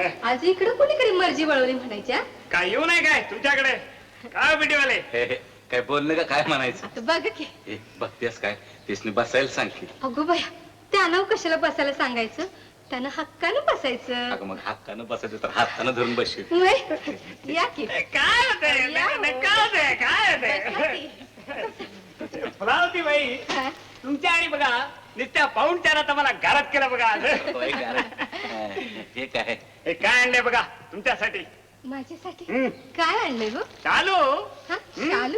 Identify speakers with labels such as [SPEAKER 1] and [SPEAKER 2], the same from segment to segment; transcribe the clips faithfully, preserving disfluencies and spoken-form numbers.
[SPEAKER 1] आज इकडे कोणीकडे मर्जी वळवली म्हणायच्या.
[SPEAKER 2] काय येऊ नाही काय तुमच्याकडे काय बिटीवाले
[SPEAKER 3] काय बोलणं का काय म्हणायचं.
[SPEAKER 1] आता बघ की
[SPEAKER 3] ए, बघतेस काय तिसने बसायला सांग की.
[SPEAKER 1] अगो बाया त्यानं कशाला बसायला सांगायचं, त्यानं हक्कानं बसायचं.
[SPEAKER 3] अगं मग हातानं बसायचं तर हातानं धरून बसशील.
[SPEAKER 1] होय. या की
[SPEAKER 2] काय होतंय काय होतंय काय होतंय फुलावती बाई
[SPEAKER 1] हा?
[SPEAKER 2] तुमच्या आणि बघा नित्या पाहून त्याला मला घरात केलं बघा आज.
[SPEAKER 3] होय का रे? हा, हे काय
[SPEAKER 2] हे काय आणलंय बघा तुमच्यासाठी.
[SPEAKER 1] माझ्यासाठी
[SPEAKER 2] हम्म.
[SPEAKER 1] काय आणलंय गो.
[SPEAKER 2] चालू
[SPEAKER 1] हा चालू.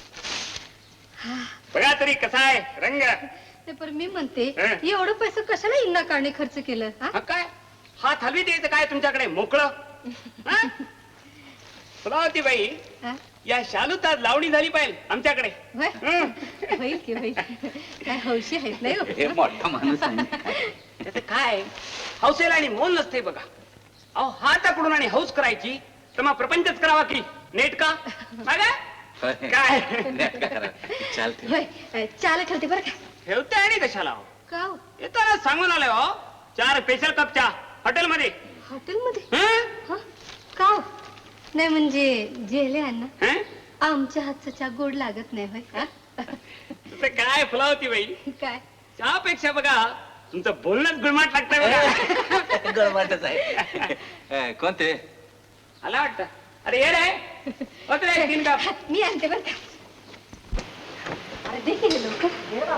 [SPEAKER 2] बघा तरी कसा आहे रंग.
[SPEAKER 1] ते पण मी म्हणते
[SPEAKER 2] हं?
[SPEAKER 1] एवढं पैसे कशाला इंना काढणे खर्च केलं. हा?
[SPEAKER 2] हा काय हात हलवी द्यायचं काय तुमच्याकडे मोकळं. हा? फुलावती बाई
[SPEAKER 1] हा?
[SPEAKER 2] या शालूत आज लावणी झाली पाहिजे आमच्याकडे.
[SPEAKER 1] होय?
[SPEAKER 2] हं.
[SPEAKER 1] होईल की होईल. काय हौशी आहेत नाही हो?
[SPEAKER 3] हे मोठा माणूस आहे.
[SPEAKER 2] त्याचं काय हौसेला आणि मोल नसते बघा. अहो हाताकडून आणि हौस करायची तर मग प्रपंचच करावा की नेट का बघा.
[SPEAKER 3] होय.
[SPEAKER 2] काय
[SPEAKER 3] नेट का करा. चालते.
[SPEAKER 1] होय चाल ठेवते बरं का.
[SPEAKER 2] ठेवते आणि कशाला हो?
[SPEAKER 1] का हो?
[SPEAKER 2] येताना सांगून आलोय हो चार स्पेशल कप चहा हॉटेलमध्ये.
[SPEAKER 1] हॉटेलमध्ये
[SPEAKER 2] हं?
[SPEAKER 1] हा? का हो? नाही म्हणजे जेले अण्णा
[SPEAKER 2] हं?
[SPEAKER 1] आमच्या हातचा चहा गोड लागत नाही होय. हा?
[SPEAKER 2] तुझं काय फुलावती बाई
[SPEAKER 1] काय
[SPEAKER 2] चहापेक्षा बघा तुमचं बोलणंच गुळमाट लागतंय बघा.
[SPEAKER 3] गळवाटच आहे. ए, कोणते
[SPEAKER 2] आला वाटतं. अरे ये रे होत रे तीन कप.
[SPEAKER 1] मी आणते बरं का. अरे दे की रे लवकर.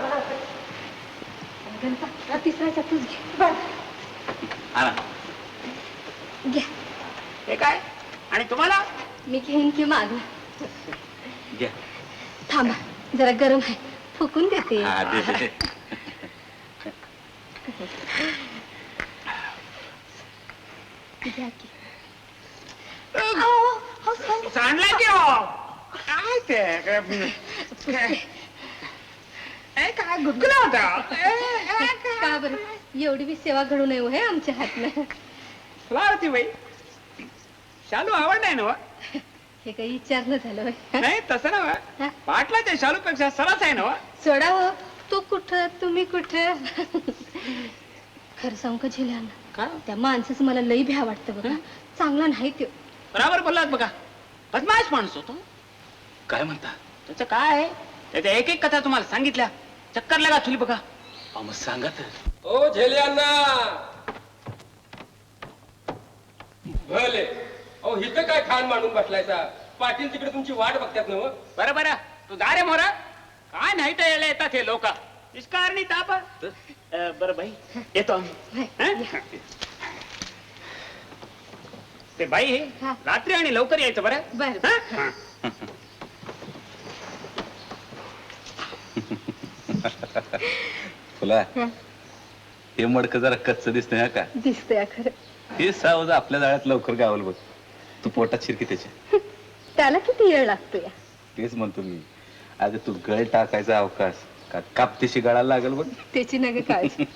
[SPEAKER 1] गणपा, हा तिसरा चहा तूच घे. बरं.
[SPEAKER 3] आणा.
[SPEAKER 1] घ्या.
[SPEAKER 2] हे काय आणि तुम्हाला
[SPEAKER 1] मी घेईन की मागं.
[SPEAKER 3] घ्या.
[SPEAKER 1] थांबा जरा गरम आहे फुकून देते.
[SPEAKER 3] हा, दे, दे.
[SPEAKER 1] घ्या की. अहो, अहो, अहो.
[SPEAKER 2] सांडला की हो काय ते काय ए, काय गुदगुला होता.
[SPEAKER 1] का बरं एवढी बी सेवा घडू नये हो हे आमच्या हातनं.
[SPEAKER 2] फुलावती बाई शालू आवडलाय ना
[SPEAKER 1] हे काही विचारणं झालं होय.
[SPEAKER 2] नाही तसं ना
[SPEAKER 1] हा?
[SPEAKER 2] पाटलाच्या शालू पेक्षा सरस आहे ना.
[SPEAKER 1] सोडा हो तू कुठं तुम्ही कुठं. खरं सांगू का झेल्यानं
[SPEAKER 2] का
[SPEAKER 1] त्या माणसाचं मला लई भ्या वाटतं बघा. चांगला नाही तो.
[SPEAKER 2] बराबर बोललात बघा बदमाश माणूस होतो.
[SPEAKER 3] काय म्हणता.
[SPEAKER 2] त्याचं काय आहे त्याच्या एक एक कथा तुम्हाला सांगितल्या चक्कर लगा तुली बघा.
[SPEAKER 3] अहो, मग सांगा तर.
[SPEAKER 4] ओ झेलियांना भले अहो इथं काय खान मांडून बसलायचा. पाटील तिकडे तुमची वाट बघतात ना.
[SPEAKER 2] बरं बरं तू दारे मोरा काय नाही तर यायला येतात हे लोक निष्कारणी ताप. बरं बाई येतो आम्ही. हं? ते बाई
[SPEAKER 1] हा.
[SPEAKER 2] रात्री आणि लवकर यायचं बरं.
[SPEAKER 1] बरं.
[SPEAKER 2] हं?
[SPEAKER 3] फुला
[SPEAKER 1] हं.
[SPEAKER 3] हे मडकं जरा कच्च दिसतंय हा का.
[SPEAKER 1] दिसतंय खरं.
[SPEAKER 3] हे सावज आपल्या जाळ्यात लवकर गावल बघ. तू पोटात शिरकी त्याच्या.
[SPEAKER 1] त्याला किती वेळ लागतो या.
[SPEAKER 3] तेच म्हणतो मी. अगं तू गळ टाकायचा अवकाश का कापतीशी गळाला लागल बघ.
[SPEAKER 1] त्याची नग काळजी.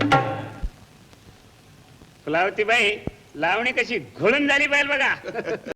[SPEAKER 2] फुलावती बाई लावणी कशी घोळून झाली पाहिजे बघा.